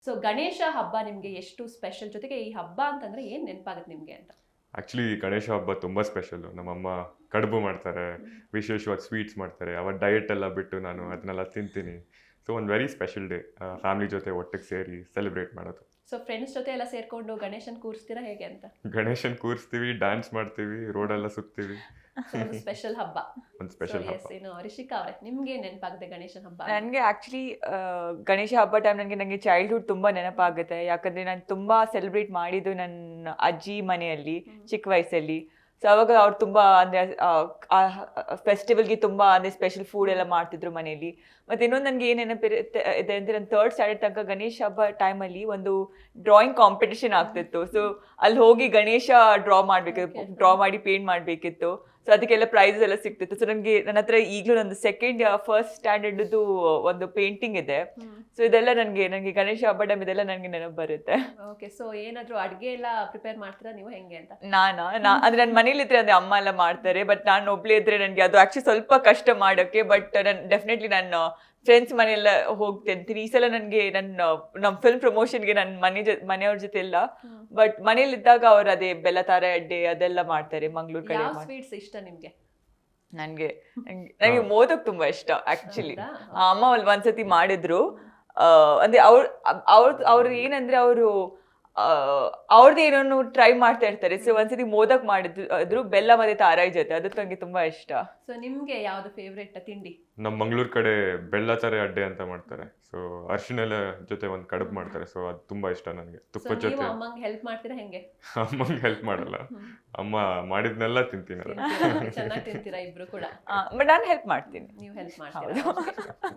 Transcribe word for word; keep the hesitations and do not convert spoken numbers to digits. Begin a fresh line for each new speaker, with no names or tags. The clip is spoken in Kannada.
ಸೊ ಗಣೇಶ ಹಬ್ಬ ನಿಮ್ಗೆ ಎಷ್ಟು ಸ್ಪೆಷಲ್, ಜೊತೆಗೆ ಈ ಹಬ್ಬ ಅಂತಂದ್ರೆ ಏನ್ ನೆನಪಾಗುತ್ತೆ ನಿಮ್ಗೆ ಅಂತ?
ಆ್ಯಕ್ಚುಲಿ ಗಣೇಶ ಹಬ್ಬ ತುಂಬ ಸ್ಪೆಷಲ್ಲು. ನಮ್ಮಮ್ಮ ಕಡುಬು ಮಾಡ್ತಾರೆ, ವಿಶೇಷವಾಗಿ ಸ್ವೀಟ್ಸ್ ಮಾಡ್ತಾರೆ. ಅವತ್ತು ಡಯಟ್ ಎಲ್ಲ ಬಿಟ್ಟು ನಾನು ಅದನ್ನೆಲ್ಲ ತಿಂತೀನಿ. ಸೊ ಒಂದು ವೆರಿ ಸ್ಪೆಷಲ್ ಡೇ, ಫ್ಯಾಮಿಲಿ ಜೊತೆ ಒಟ್ಟಿಗೆ ಸೇರಿ ಸೆಲೆಬ್ರೇಟ್ ಮಾಡೋದು.
ಸೊ ಫ್ರೆಂಡ್ಸ್ ಜೊತೆ ಎಲ್ಲ ಸೇರ್ಕೊಂಡು ಗಣೇಶನ್ ಕೂರಿಸ್ತೀರಾ ಹೇಗೆ ಅಂತ?
ಗಣೇಶನ್ ಕೂರಿಸ್ತೀವಿ, ಡ್ಯಾನ್ಸ್ ಮಾಡ್ತೀವಿ, ರೋಡೆಲ್ಲ ಸುತ್ತೀವಿ.
ಒಂದು ಸ್ಪೆಷಲ್ ಹಬ್ಬ.
ಒಂದು ಸ್ಪೆಷಲ್ ಹಬ್ಬ.
ಏನು ರಿಷಿಕಾ ಅವರೇ, ನಿಮ್ಗೆ ನೆನಪಾಗುತ್ತೆ ಗಣೇಶನ್ ಹಬ್ಬ?
ನನಗೆ ಆ್ಯಕ್ಚುಲಿ ಗಣೇಶ ಹಬ್ಬ ಟೈಮ್ ನನಗೆ ನನಗೆ ಚೈಲ್ಡ್ಹುಡ್ ತುಂಬ ನೆನಪಾಗುತ್ತೆ. ಯಾಕಂದರೆ ನಾನು ತುಂಬ ಸೆಲೆಬ್ರೇಟ್ ಮಾಡಿದ್ದು ನನ್ನ ಅಜ್ಜಿ ಮನೆಯಲ್ಲಿ ಚಿಕ್ಕ ವಯಸ್ಸಲ್ಲಿ. ಸೊ ಅವಾಗ ಅವ್ರು ತುಂಬ ಅಂದರೆ ಫೆಸ್ಟಿವಲ್ಗೆ ತುಂಬ ಅಂದರೆ ಸ್ಪೆಷಲ್ ಫುಡ್ ಎಲ್ಲ ಮಾಡ್ತಿದ್ರು ಮನೆಯಲ್ಲಿ. ಮತ್ತು ಇನ್ನೊಂದು ನನಗೆ ಏನು ನೆನಪಿರುತ್ತೆ ಇದೆ ಅಂದರೆ ನನ್ನ ಥರ್ಡ್ ಸ್ಟ್ಯಾಂಡರ್ಡ್ ತನಕ ಗಣೇಶ ಹಬ್ಬ ಟೈಮಲ್ಲಿ ಒಂದು ಡ್ರಾಯಿಂಗ್ ಕಾಂಪಿಟೇಷನ್ ಆಗ್ತಿತ್ತು. ಸೊ ಅಲ್ಲಿ ಹೋಗಿ ಗಣೇಶ ಡ್ರಾ ಮಾಡಬೇಕಿತ್ತು, ಡ್ರಾ ಮಾಡಿ ಪೇಂಟ್ ಮಾಡಬೇಕಿತ್ತು. ಸೊ ಅದಕ್ಕೆಲ್ಲ ಪ್ರೈಸಸ್ ಎಲ್ಲ ಸಿಗ್ತಿತ್ತು. ಸೊ ನನಗೆ ನನ್ನ ಹತ್ರ ಈಗಲೂ ನಂದು ಸೆಕೆಂಡ್ ಫಸ್ಟ್ ಸ್ಟ್ಯಾಂಡರ್ಡ್ದು ಒಂದು ಪೇಂಟಿಂಗ್ ಇದೆ. ಸೊ ಇದೆಲ್ಲ ನನಗೆ ನನಗೆ ಗಣೇಶ ಹಬ್ಬ ಟೈಮ್ ಇದೆಲ್ಲ ನನಗೆ ನೆನಪು ಬರುತ್ತೆ.
ಓಕೆ, ಸೊ ಏನಾದರೂ ಅಡುಗೆ ಎಲ್ಲ ಪ್ರಿಪೇರ್ ಮಾಡ್ತೀರಾ ನೀವು ಹೆಂಗೆ ಅಂತ?
ನಾನಾ ನಾ ಅಂದರೆ ನನ್ನ ಮನೇಲಿ ಇದ್ರೆ ಅಂದರೆ ಅಮ್ಮ ಎಲ್ಲ ಮಾಡ್ತಾರೆ. ಬಟ್ ನಾನು ಒಬ್ಳೇ ಇದ್ರೆ ನನಗೆ ಅದು ಆ್ಯಕ್ಚುಲಿ ಸ್ವಲ್ಪ ಕಷ್ಟ ಮಾಡೋಕ್ಕೆ. ಬಟ್ ನಾನು ಡೆಫಿನೆಟ್ಲಿ ನಾನು ಫ್ರೆಂಡ್ಸ್ ಮನೆಯೆಲ್ಲ ಹೋಗ್ತಿರ್ತೀನಿ. ಈ ಸಲ ನನಗೆ ನನ್ನ ನಮ್ಮ ಫಿಲ್ಮ್ ಪ್ರಮೋಷನ್ಗೆ ನನ್ನ ಮನೆ ಜೊ ಮನೆಯವ್ರ ಜೊತೆ ಇಲ್ಲ. ಬಟ್ ಮನೇಲಿದ್ದಾಗ ಅವ್ರು ಅದೇ ಬೆಲ್ಲ ತಾರೆ ಅಡ್ಡೆ ಅದೆಲ್ಲ ಮಾಡ್ತಾರೆ ಮಂಗ್ಳೂರ್ ಕಡೆ.
ಯಾವ ಸ್ವೀಟ್ಸ್ ಇಷ್ಟ ನಿಮ್ಗೆ?
ನನಗೆ ನನಗೆ ಮೋದಕ್ ತುಂಬಾ ಇಷ್ಟ ಆ್ಯಕ್ಚುಲಿ. ಅಮ್ಮ ಅಲ್ಲಿ ಒಂದ್ಸತಿ ಮಾಡಿದ್ರು. ಅಂದರೆ ಅವ್ರು ಅವ್ರ ಅವ್ರು ಏನಂದ್ರೆ ಅವರು ಅವ್ರದ್ದು ಏನೋ ಟ್ರೈ ಮಾಡ್ತಾ ಇರ್ತಾರೆ. ಸೊ ಒಂದ್ಸತಿ ಮೋದಕ್ ಮಾಡಿದ್ರು ಅದ್ರ ಬೆಲ್ಲ ಮತ್ತೆ ತಾರಾಯಿ ಜೊತೆ, ಅದು ನನಗೆ ತುಂಬಾ ಇಷ್ಟ.
ಸೊ ನಿಮ್ಗೆ ಯಾವ್ದು ಫೇವ್ರೆಟ್ ತಿಂಡಿ?
ನಮ್ಮ ಮಂಗಳೂರು ಕಡೆ ಬೆಲ್ಲ ತಾರೆ ಅಡ್ಡೆ ಅಂತ ಮಾಡ್ತಾರೆ. ಸೊ ಅರಿಶಿಣೆಲ್ಲ ಜೊತೆ ಒಂದು ಕಡುಬು ಮಾಡ್ತಾರೆ. ಸೊ ಅದು ತುಂಬಾ ಇಷ್ಟ ನನಗೆ. ತುಪ್ಪದ ಜೊತೆ.
ಅಮ್ಮಂಗೆ ಹೆಲ್ಪ್ ಮಾಡ್ತೀರಾ ಹೆಂಗೆ?
ಅಮ್ಮಂಗೆ ಹೆಲ್ಪ್ ಮಾಡಲ್ಲ, ಅಮ್ಮ ಮಾಡಿದ್ನೆಲ್ಲ ತಿಂತೀನಿ.
ಚೆನ್ನಾಗಿ ತಿಂತೀರಾ ಇಬ್ರು ಕೂಡ?
ಬಟ್ ನಾನು ಹೆಲ್ಪ್ ಮಾಡ್ತೀನಿ.
ನೀವು ಹೆಲ್ಪ್ ಮಾಡ್ತೀರಾ?